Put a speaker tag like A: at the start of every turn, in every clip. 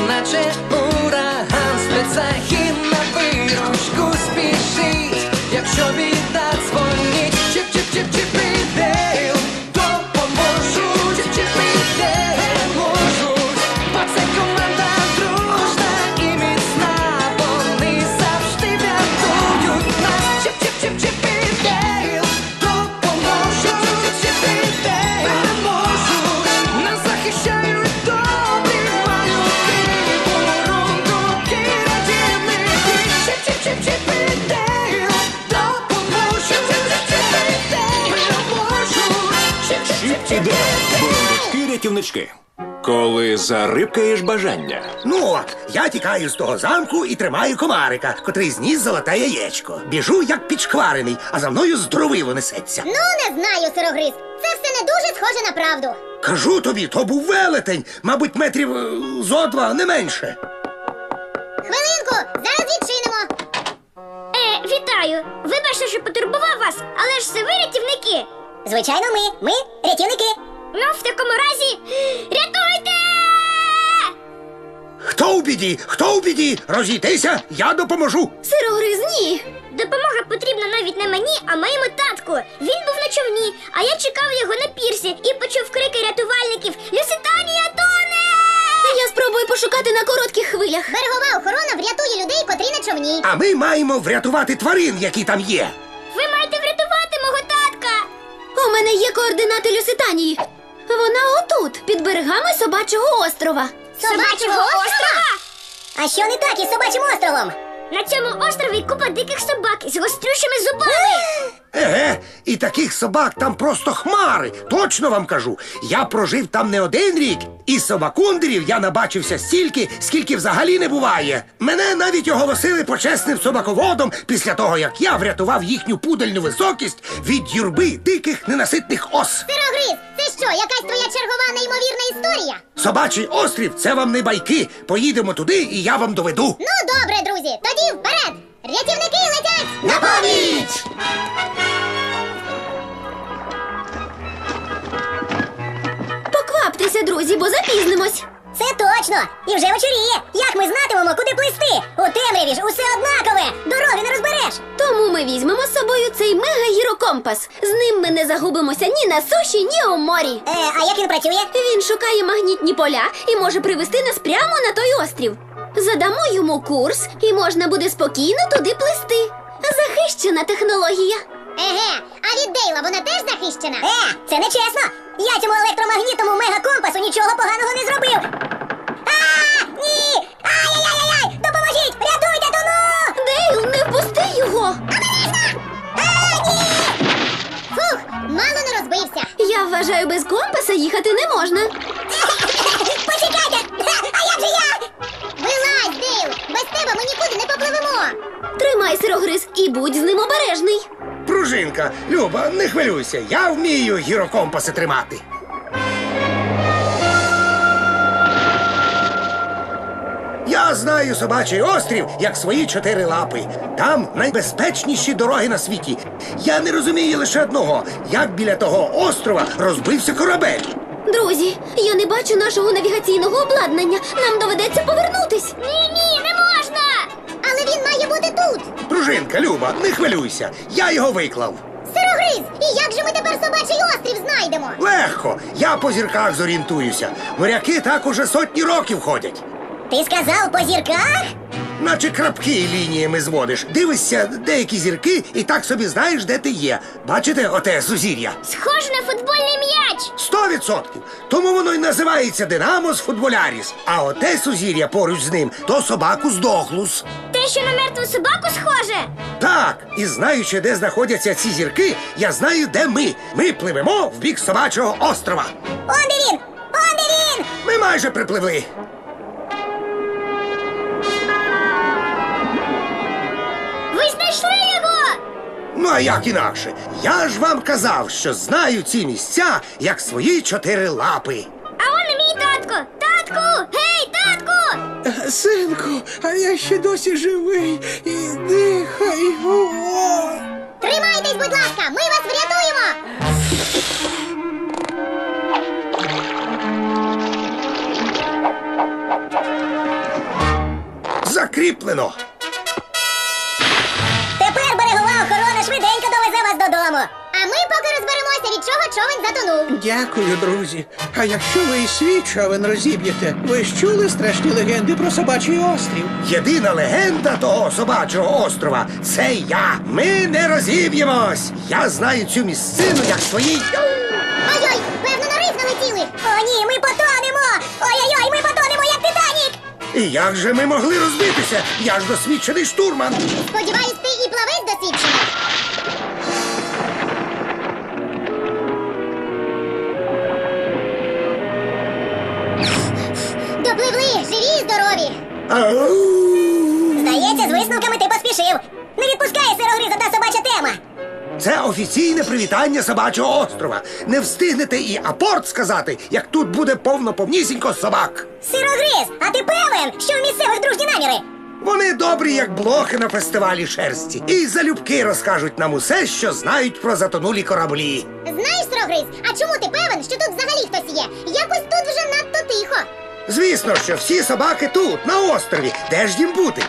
A: наче ураган, спецахід на виручку спішить, якщо біда дзвонить. Чіп-чіп-чіп-чіп і Дейл допоможуть, чіп-чіп і Дейл можуть, бо це команда дружна і міцна, вони завжди врятують нас. Чіп-чіп-чіп-чіп і Дейл допоможуть, чіп і Дейл можуть, нас захищають добрі малюки, бурундуки, рятівники. Чіп-чіп-чіп-чіп і Дейл допоможуть, чіп і Дейл можуть,
B: Чіп і Дейл, бурундучки-рятівнички. Коли зарибкаєш бажання.
C: Ну от, я тікаю з того замку і тримаю комарика, котрий зніс золоте яєчко. Біжу, як підшкварений, а за мною здоровило несеться.
D: Ну, не знаю, сирогриз. Це все не дуже схоже на правду.
C: Кажу тобі, то був велетень, мабуть, метрів зо два, не менше.
D: Хвилинку, зараз відчинимо. Вітаю. Вибачте, що потурбував вас, але ж це ви рятівники. Звичайно, ми рятівники. Ну, в такому разі, рятуйте!
C: Хто в біді? Хто в біді? Розійтися, я допоможу.
D: Сирогриз, ні. Допомога потрібна навіть не мені, а моєму татку. Він був на човні, а я чекав його на пірсі і почув крики рятувальників: «Люситанія тоне!» Я спробую пошукати на коротких хвилях. Берегова охорона врятує людей, котрі на човні.
C: А ми маємо врятувати тварин, які там є.
D: Ви маєте врятувати мого татка. У мене є координати Люситанії. Вона отут, під берегами Собачого острова. Собачого острова? А що не так із Собачим островом? На цьому острові купа диких собак з гострющими зубами.
C: Еге, і таких собак там просто хмари, точно вам кажу. Я прожив там не один рік, і собакундерів я набачився стільки, скільки взагалі не буває. Мене навіть оголосили почесним собаководом після того, як я врятував їхню пудельну високість від юрби диких ненаситних ос.
D: Сирогриз, це що, якась твоя чергова неймовірна історія?
C: Собачий острів – це вам не байки. Поїдемо туди, і я вам доведу.
D: Ну, добре, друзі, тоді вперед! Рятівники летять!
C: На поміч!
D: Покваптеся, друзі, бо запізнимось. Це точно! І вже вечоріє! Як ми знатимемо, куди плисти? У темряві ж усе однакове! Дороги не розбереш! Тому ми візьмемо з собою цей мега-гірокомпас. З ним ми не загубимося ні на суші, ні у морі. А як він працює? Він шукає магнітні поля і може привести нас прямо на той острів. Задамо йому курс, і можна буде спокійно туди плисти. Захищена технологія. Еге, а від Дейла вона теж захищена? Це не чесно! Я цьому електромагнітному мегакомпасу нічого поганого не зробив! Ні! Ай-яй-яй-яй! Допоможіть! Рятуйте, тону! Дейл, не впусти його! Ні! Фух, мало не розбився. Я вважаю, без компаса їхати не можна. Почекайте! А як же я? Вилазь, Дейл! Без тебе ми нікуди не попливемо! Тримай, сирогриз, і будь з ним обережний.
C: Пружинка, Люба, не хвилюйся, я вмію гірокомпаси тримати. Я знаю Собачий острів, як свої 4 лапи. Там найбезпечніші дороги на світі. Я не розумію лише одного, як біля того острова розбився корабель.
D: Друзі, я не бачу нашого навігаційного обладнання. Нам доведеться повернутись. Ні, не можна! Але він має бути тут.
C: Пружинка, Люба, не хвилюйся, я його виклав.
D: Сирогриз, і як же ми тепер Собачий острів знайдемо?
C: Легко, я по зірках зорієнтуюся. Моряки так уже сотні років ходять.
D: Ти сказав по зірках?
C: Наче крапки лініями зводиш. Дивишся деякі зірки і так собі знаєш, де ти є. Бачите оте сузір'я?
D: Схоже на футбольний м'яч.
C: 100%. Тому воно й називається Динамос Футболяріс. А оте сузір'я поруч з ним – то собакус Дохлус.
D: Те, що на мертву собаку схоже?
C: Так, і знаючи, де знаходяться ці зірки, я знаю, де ми. Ми пливемо в бік Собачого острова.
D: Он де він! Он де він!
C: Ми майже припливли.
D: Ви знайшли його!
C: Ну, а як інакше? Я ж вам казав, що знаю ці місця, як свої 4 лапи.
D: А он і мій татко! Татку! Гей, татку!
E: Синку, а я ще досі живий і дихаю.
D: Тримайтесь, будь ласка, ми вас врятуємо!
C: Закріплено.
D: Тепер берегова охорона швиденько довезе вас додому. А ми поки розберемося, від чого човен затонув.
E: Дякую, друзі. А якщо ви і свій човен розіб'єте, ви ж чули страшні легенди про собачий острів?
C: Єдина легенда того собачого острова – це я. Ми не розіб'ємось. Я знаю цю місцину як свої.
D: Ой-ой, певно, на риф налетіли. О, ні, ми потонемо. Ой-ой-ой, ми потонемо, як Титанік.
C: І як же ми могли розбитися? Я ж досвідчений штурман.
D: Сподіваюсь, ти і плавець досвідчений. Допливли, живі і здорові.
C: Ау!
D: Здається, з висновками ти поспішив. Не відпускає сирогриз одна собача тема.
C: Це офіційне привітання собачого острова. Не встигнете і апорт сказати, як тут буде повно-повнісінько собак.
D: Сирогриз, а ти певен, що в місцевих дружні наміри?
C: Вони добрі, як блохи на фестивалі шерсті. І залюбки розкажуть нам усе, що знають про затонулі кораблі.
D: Знаєш, сирогриз, а чому ти певен, що тут взагалі хтось є? Якось тут вже надто тихо.
C: Звісно, що всі собаки тут, на острові. Де ж їм бути?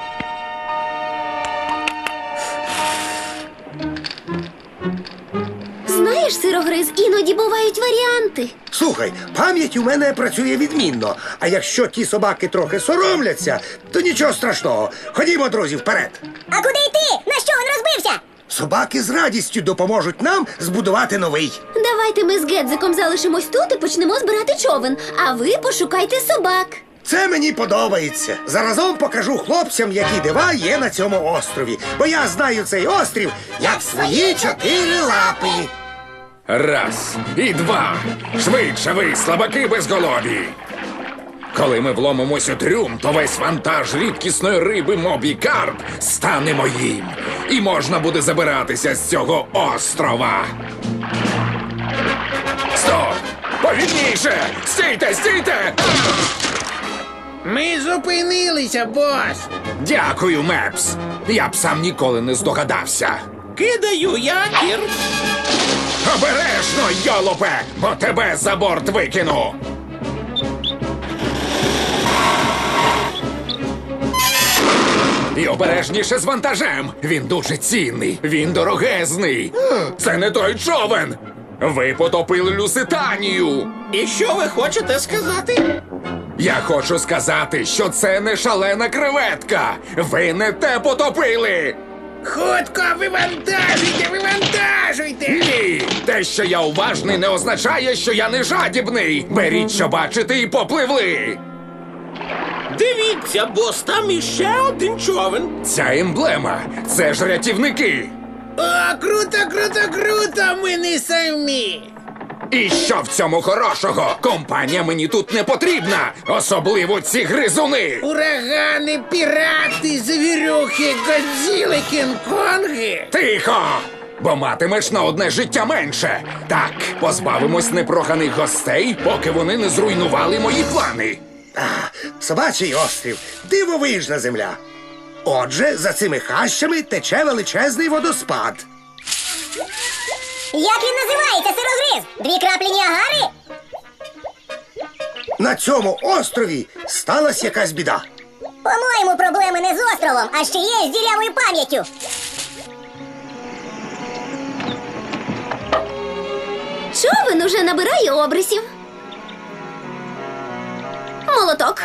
F: Знаєш, сирогриз, іноді бувають варіанти.
C: Слухай, пам'ять у мене працює відмінно. А якщо ті собаки трохи соромляться, то нічого страшного. Ходімо, друзі, вперед.
D: А куди йти? На що він розбився?
C: Собаки з радістю допоможуть нам збудувати новий.
F: Давайте ми з Гедзиком залишимось тут і почнемо збирати човен, а ви пошукайте собак.
C: Це мені подобається. Заразом покажу хлопцям, які дива є на цьому острові. Бо я знаю цей острів як свої 4 лапи.
G: Раз і два. Швидше ви, слабаки безголові. Коли ми вломимось у трюм, то весь вантаж рідкісної риби Мобі Карп стане моїм. І можна буде забиратися з цього острова. Стоп! Повільніше! Стійте, стійте!
E: Ми зупинилися, бос.
G: Дякую, Мепс. Я б сам ніколи не здогадався.
E: Кидаю якір.
G: Обережно, йолопе, бо тебе за борт викину. І обережніше з вантажем. Він дуже цінний, він дорогезний. Це не той човен. Ви потопили Люситанію.
E: І що ви хочете сказати?
G: Я хочу сказати, що це не шалена креветка. Ви не те потопили.
E: Хутко, вивантажуйте, вивантажуйте!
G: Ні, те, що я уважний, не означає, що я не жадібний. Беріть, що бачите, і попливли.
E: Дивіться, бос, там іще один човен.
G: Ця емблема – це ж рятівники.
E: О, круто, круто, круто, ми не самі.
G: І що в цьому хорошого? Компанія мені тут не потрібна, особливо ці гризуни.
E: Урагани, пірати, завірюхи, Годзіли, Кінг-Конги.
G: Тихо! Бо матимеш на одне життя менше. Так, позбавимось непроханих гостей, поки вони не зруйнували мої плани.
C: Собачий острів – дивовижна земля. Отже, за цими хащами тече величезний водоспад.
D: Як він називається, сирогриз? 2 краплі Ніагари?
C: На цьому острові сталася якась біда.
D: По-моєму, проблеми не з островом, а ще є з дірявою пам'яттю.
F: Човен уже набирає обрисів. Молоток.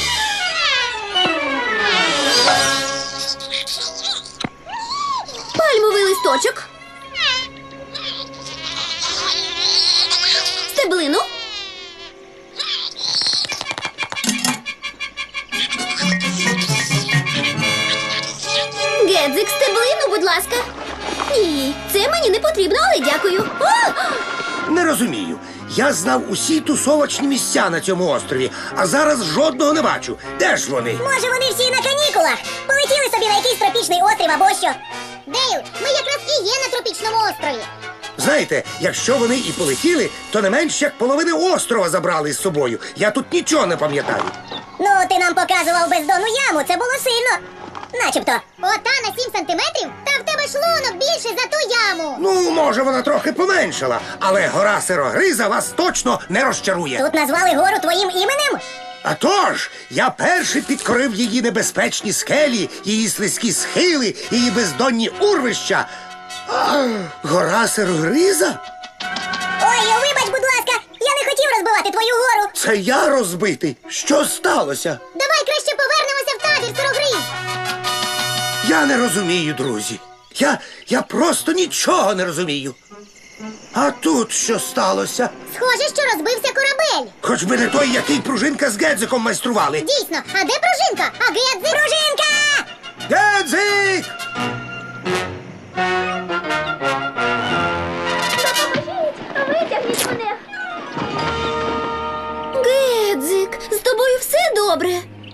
F: Пальмовий листочок. Стеблину. Гедзик, стеблину, будь ласка. Ні, це мені не потрібно, але дякую. О!
C: Не розумію. Я знав усі тусовочні місця на цьому острові, а зараз жодного не бачу. Де ж вони?
D: Може, вони всі на канікулах? Полетіли собі на якийсь тропічний острів або що? Дейл, ми якраз і є на тропічному острові.
C: Знаєте, якщо вони і полетіли, то не менш як половини острова забрали з собою. Я тут нічого не пам'ятаю.
D: Ну, ти нам показував бездонну яму, це було сильно. Начебто. Ота на 7 сантиметрів? Та в тебе шлунок більше за ту яму.
C: Ну, може, вона трохи поменшала, але гора Сирогриза вас точно не розчарує.
D: Тут назвали гору твоїм іменем?
C: А тож, я перший підкорив її небезпечні скелі, її слизькі схили, її бездонні урвища. Гора сирогриза?
D: Ой, вибач, будь ласка, я не хотів розбивати твою гору.
C: Це я розбитий. Що сталося?
D: Давай краще повернемося в табір, сирогриз.
C: Я не розумію, друзі. Я просто нічого не розумію. А тут що сталося?
D: Схоже, що розбився корабель.
C: Хоч би не той, який пружинка з Гедзиком майстрували.
D: Дійсно, а де пружинка? А Гедзик? Пружинка!
C: Гедзик!
F: Витягніть мене. Гедзик, з тобою все добре?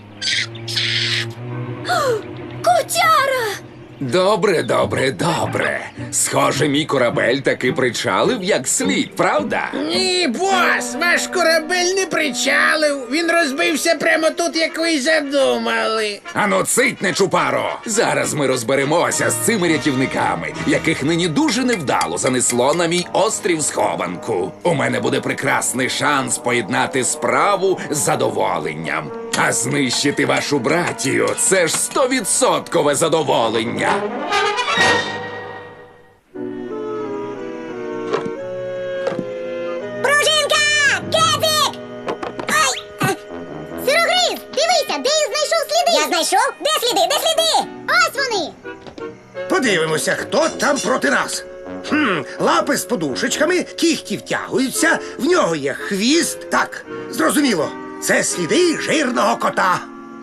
F: О, котяра!
G: Добре, добре, добре. Схоже, мій корабель таки причалив як слід, правда?
E: Ні, бос, ваш корабель не причалив. Він розбився прямо тут, як ви й задумали.
G: Ану, цитне, чупаро! Зараз ми розберемося з цими рятівниками, яких нині дуже невдало занесло на мій острів схованку. У мене буде прекрасний шанс поєднати справу з задоволенням. А знищити вашу братію – це ж 100% задоволення.
D: Пружинка! Гедзик! Ай! Сирогриз, дивися, Дейл знайшов сліди. Я знайшов? Де сліди? Де сліди? Ось вони.
C: Подивимося, хто там проти нас. Лапи з подушечками, кіхті втягуються, в нього є хвіст. Так, зрозуміло, це сліди жирного кота.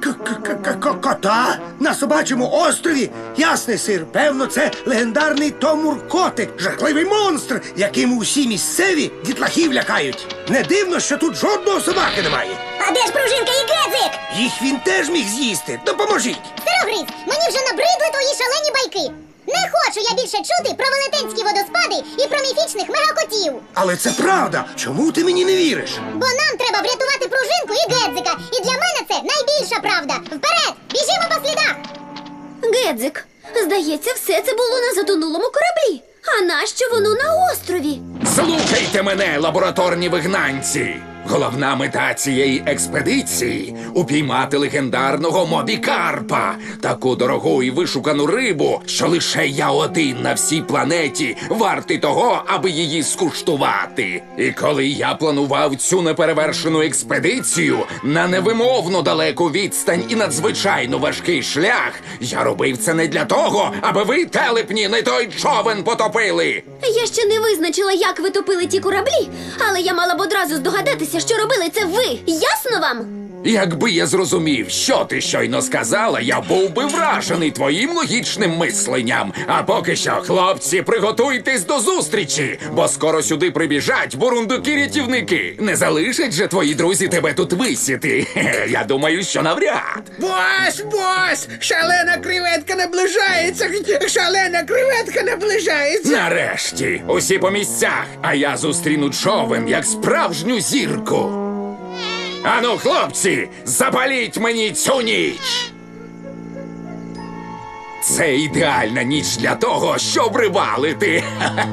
C: Кота? На собачому острові? Ясний сир, певно, це легендарний Томур-котик, жахливий монстр, яким усі місцеві дітлахів лякають. Не дивно, що тут жодного собаки немає.
D: А де ж пружинка і Гедзик?
C: Їх він теж міг з'їсти. Допоможіть!
D: Сирогриз, мені вже набридли твої шалені байки. Не хочу я більше чути про велетенські водоспади і про міфічних мегакотів.
C: Але це правда. Чому ти мені не віриш?
D: Бо нам треба врятувати пружинку і Гедзика. І для мене це найбільша правда. Вперед! Біжимо по слідах!
F: Гедзик, здається, все це було на затонулому кораблі. А нащо воно на острові?
G: Слухайте мене, лабораторні вигнанці! Головна мета цієї експедиції – упіймати легендарного Мобікарпа, таку дорогу і вишукану рибу, що лише я один на всій планеті вартий того, аби її скуштувати. І коли я планував цю неперевершену експедицію на невимовно далеку відстань і надзвичайно важкий шлях, я робив це не для того, аби ви, телепні, не той човен потопили.
F: Я ще не визначила, як ви топили ті кораблі, але я мала б одразу здогадатися, що робили це ви. Ясно вам?
G: Якби я зрозумів, що ти щойно сказала, я був би вражений твоїм логічним мисленням. А поки що, хлопці, приготуйтесь до зустрічі, бо скоро сюди прибіжать бурундуки-рятівники. Не залишать же твої друзі тебе тут висіти. Хе-хе, я думаю, що навряд.
E: Бос! Шалена креветка наближається! Шалена креветка наближається!
G: Нарешті, усі по місцях, а я зустріну човен як справжню зірку. Ану, хлопці, запаліть мені цю ніч! Це ідеальна ніч для того, щоб рибалити.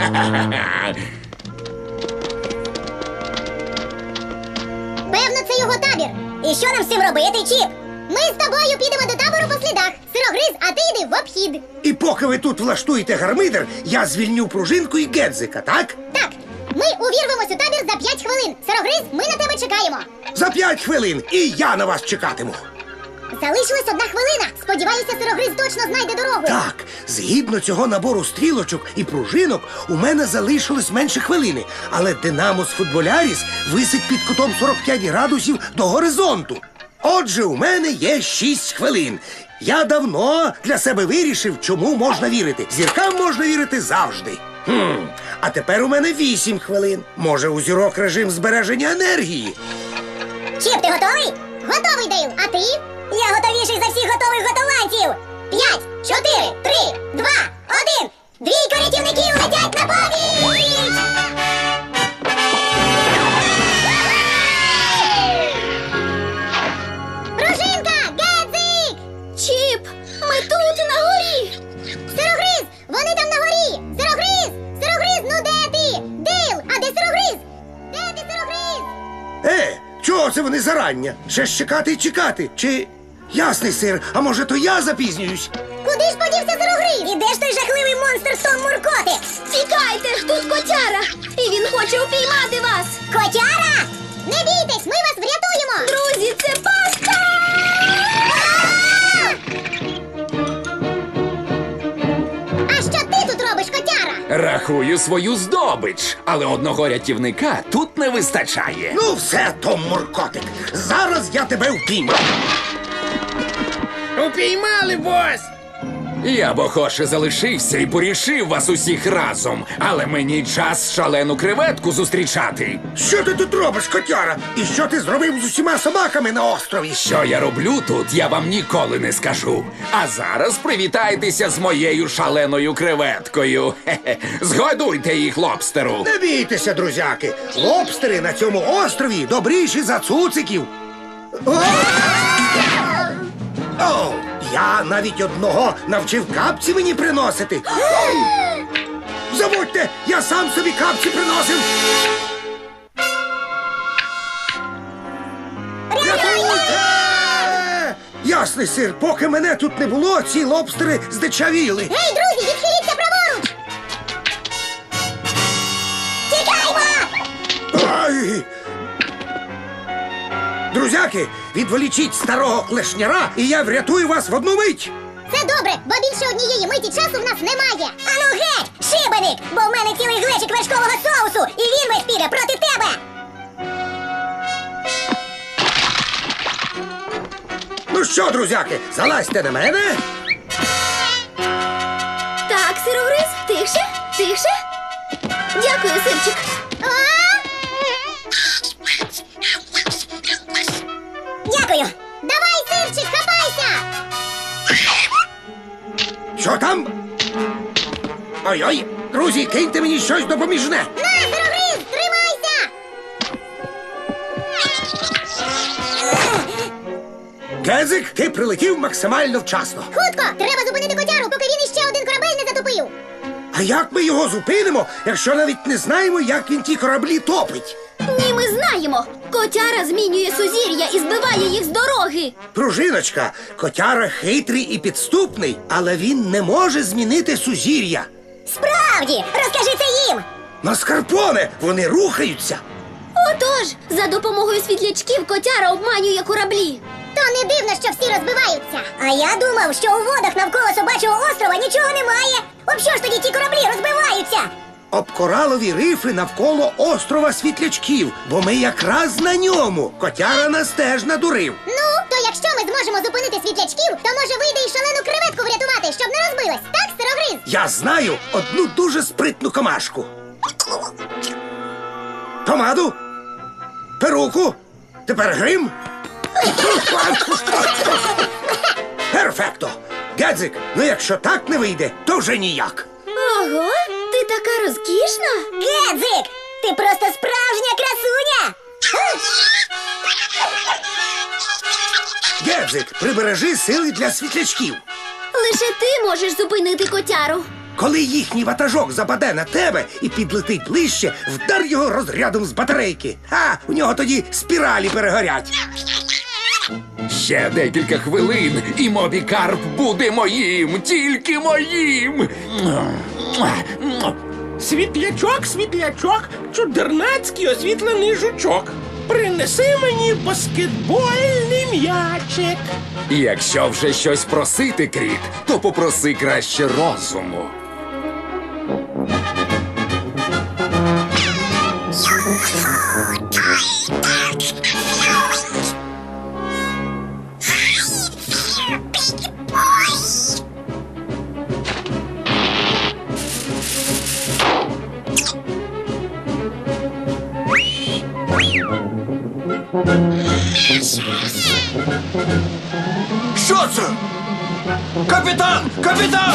D: Певно, це його табір. І що нам з цим робити, Чіп? Ми з тобою підемо до табору по слідах. Сирогриз, а ти йди в обхід.
C: І поки ви тут влаштуєте гармидер, я звільню пружинку і Гедзика, так?
D: Так, ми увірвемось у табір за 5 хвилин. Сирогриз, ми на тебе чекаємо.
C: За 5 хвилин і я на вас чекатиму.
D: Залишилась 1 хвилина. Сподіваюся, Сирогриз точно знайде дорогу.
C: Так, згідно цього набору стрілочок і пружинок, у мене залишилось менше хвилини. Але Динамос Футболяріс висить під кутом 45 градусів до горизонту. Отже, у мене є 6 хвилин. Я давно для себе вирішив, чому можна вірити. Зіркам можна вірити завжди. А тепер у мене 8 хвилин. Може, у зірок режим збереження енергії?
D: Чіп, ти готовий? Готовий, Дейл. А ти? Я готовіший за всіх готових готованців. 5, 4, 3, 2, 1. Двійко рятівників летять на поміч! Пружинка! Гедзик!
F: Чіп, ми тут, на горі!
D: Сирогриз! Вони там на горі! Сирогриз! Сирогриз, ну де ти? Дейл, а де Сирогриз? Де ти, Сирогриз?
C: Чого це вони зарання. Ще ж чекати й чекати. Чи ясний сир, а може то я запізнююсь?
D: Куди ж подівся сирогриз? І де ж той жахливий монстр Том Муркотик?
F: Тікайте, тут котяра! І він хоче упіймати вас!
D: Котяра! Не бійтесь, ми вас врятуємо!
F: Друзі, це пастка!
D: А що ти тут робиш, котяра?
G: Рахую свою здобич, але одного рятівника тут не вистачає.
C: Ну все, Том Муркотик, зараз я тебе впіймаю.
E: Упіймали, бос!
G: Я б охоче залишився і порішив вас усіх разом, але мені час шалену креветку зустрічати.
C: Що ти тут робиш, котяра? І що ти зробив з усіма собаками на острові?
G: Що я роблю тут, я вам ніколи не скажу. А зараз привітайтеся з моєю шаленою креветкою. Хе-хе. Згодуйте їх лобстеру.
C: Не бійтеся, друзяки. Лобстери на цьому острові добріші за цуциків. О, я навіть одного навчив капці мені приносити. Забудьте, я сам собі капці приносив. Рятуйте! Ясний сир, поки мене тут не було, ці лобстери здичавіли.
D: Гей, друзі, відхиліться праворуч! Тікаймо!
C: Ай! Друзяки, відволічіть старого клешняра, і я врятую вас в одну мить.
D: Це добре, бо більше однієї миті часу в нас немає. Ану геть, шибеник, бо в мене цілий глечик вершкового соусу, і він весь піде проти тебе.
C: Ну що, друзяки, залазьте на мене.
F: Так, сирогриз, тихше, тихше. Дякую, сирчик.
D: Дякую. Давай, сирчик, хапайся!
C: Що там? Ой-ой, друзі, киньте мені щось допоміжне.
D: На, сирогриз, тримайся!
C: Гедзик, ти прилетів максимально вчасно.
D: Хутко, треба зупинити котяру, поки він іще один корабель не затопив.
C: А як ми його зупинимо, якщо навіть не знаємо, як він ті кораблі топить?
F: Ні, ми знаємо. Котяра змінює сузір'я і збиває їх з дороги.
C: Пружиночка, котяра хитрий і підступний, але він не може змінити сузір'я.
D: Справді, розкажи це їм.
C: Маскарпоне, вони рухаються.
F: Отож, за допомогою світлячків котяра обманює кораблі.
D: То не дивно, що всі розбиваються. А я думав, що у водах навколо собачого острова нічого немає. Об що ж тоді ті кораблі розбиваються?
C: Об коралові рифи навколо острова Світлячків, бо ми якраз на ньому. Котяра нас теж надурив.
D: Ну, то якщо ми зможемо зупинити світлячків, то може вийде і шалену креветку врятувати, щоб не розбилась. Так, сирогриз?
C: Я знаю одну дуже спритну комашку. Помаду, перуку, тепер грим. Перфекто! Гедзик, ну якщо так не вийде, то вже ніяк.
F: Ого, ти така розкішна.
D: Гедзик, ти просто справжня красуня!
C: Гедзик, прибережи сили для світлячків.
F: Лише ти можеш зупинити котяру.
C: Коли їхній ватажок западе на тебе і підлетить ближче, вдар його розрядом з батарейки. У нього тоді спіралі перегорять.
G: Ще декілька хвилин, і Мобі Карп буде моїм, тільки моїм.
E: Світлячок, світлячок, чудернацький освітлений жучок. Принеси мені баскетбольний м'ячик.
G: Якщо вже щось просити, Кріт, то попроси краще розуму.
B: Що це? Капітан! Капітан!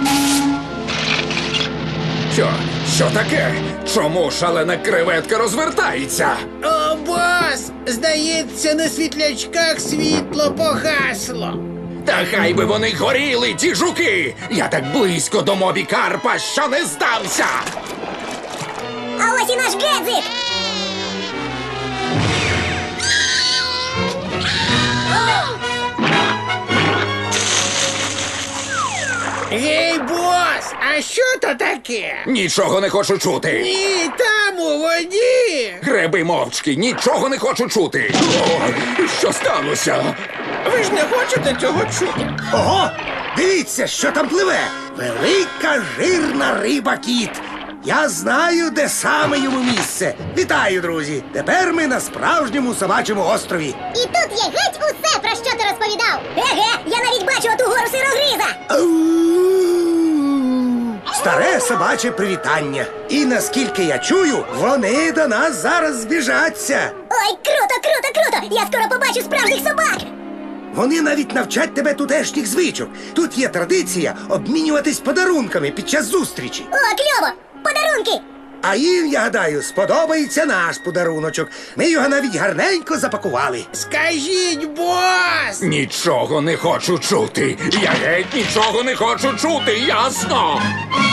G: Що таке? Чому шалена креветка розвертається?
E: О, бос! Здається, на світлячках світло погасло.
G: Та хай би вони горіли, ті жуки! Я так близько до Мобі Карпа, що не здався!
D: А ось і наш Гедзик!
E: А що то таке?
G: Нічого не хочу чути.
E: Ні, там у воді.
G: Греби мовчки, нічого не хочу чути. О, що сталося?
E: Ви ж не хочете цього чути.
C: Ого! Дивіться, що там пливе! Велика жирна риба-кіт! Я знаю, де саме йому місце. Вітаю, друзі! Тепер ми на справжньому собачому острові.
D: І тут є геть усе, про що ти розповідав. Еге, я навіть бачу оту гору сирогриза.
C: Старе собаче привітання. І наскільки я чую, вони до нас зараз збіжаться.
D: Ой, круто, круто, круто! Я скоро побачу справжніх собак.
C: Вони навіть навчать тебе тутешніх звичок. Тут є традиція обмінюватись подарунками під час зустрічі.
D: О, кльово! Подарунки!
C: А їм, я гадаю, сподобається наш подаруночок. Ми його навіть гарненько запакували.
E: Скажіть, бос!
G: Нічого не хочу чути. Я геть нічого не хочу чути, ясно?